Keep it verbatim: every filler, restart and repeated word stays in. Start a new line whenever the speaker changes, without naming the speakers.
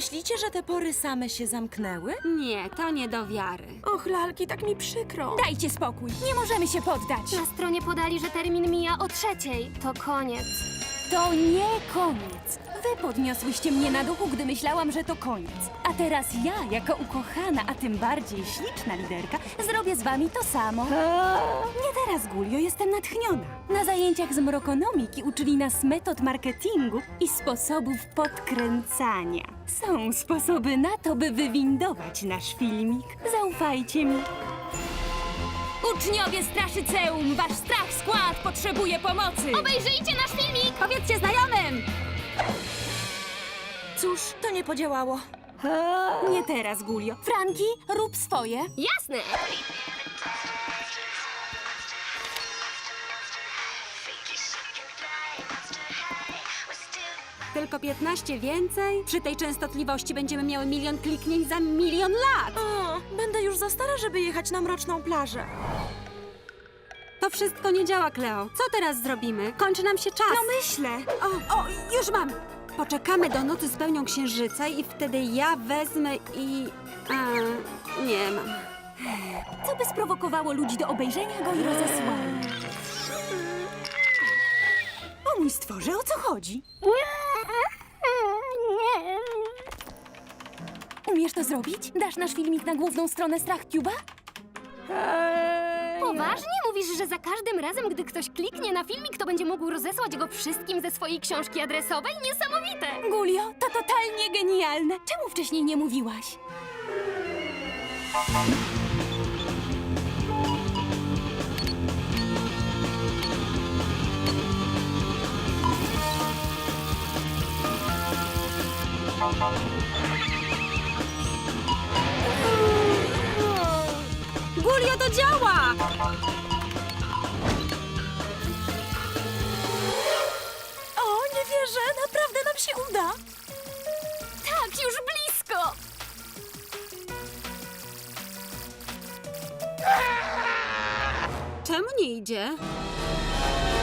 Myślicie, że te pory same się zamknęły?
Nie, to nie do wiary.
Och, lalki, tak mi przykro.
Dajcie spokój, nie możemy się poddać.
Na stronie podali, że termin mija o trzeciej. To koniec.
To nie koniec. Wy podniosłyście mnie na duchu, gdy myślałam, że to koniec. A teraz ja, jako ukochana, a tym bardziej śliczna liderka, zrobię z wami to samo. Nie teraz, Gulio, jestem natchniona. Na zajęciach z mrokonomiki uczyli nas metod marketingu i sposobów podkręcania. Są sposoby na to, by wywindować nasz filmik. Zaufajcie mi. Uczniowie Straszyceum, wasz strach skład potrzebuje pomocy!
Obejrzyjcie nasz filmik!
Powiedzcie znajomym!
Cóż, to nie podziałało.
Nie teraz, Gulio. Franki, rób swoje.
Jasne!
Tylko piętnaście więcej? Przy tej częstotliwości będziemy miały milion kliknięć za milion lat!
O, będę już za stara, żeby jechać na mroczną plażę.
To wszystko nie działa, Kleo. Co teraz zrobimy? Kończy nam się czas.
No myślę.
O, o, już mam! Poczekamy do nocy z pełnią księżyca i wtedy ja wezmę i... A, nie mam.
Co by sprowokowało ludzi do obejrzenia go i rozesłania? O mój stworze, o co chodzi? Umiesz to zrobić? Dasz nasz filmik na główną stronę StrachCube'a?
Poważnie mówisz, że za każdym razem, gdy ktoś kliknie na filmik, to będzie mógł rozesłać go wszystkim ze swojej książki adresowej? Niesamowite!
Gulio, to totalnie genialne. Czemu wcześniej nie mówiłaś?
Gulio, to działa!
O, nie wierzę, naprawdę nam się uda.
Tak, już blisko!
Czemu nie idzie?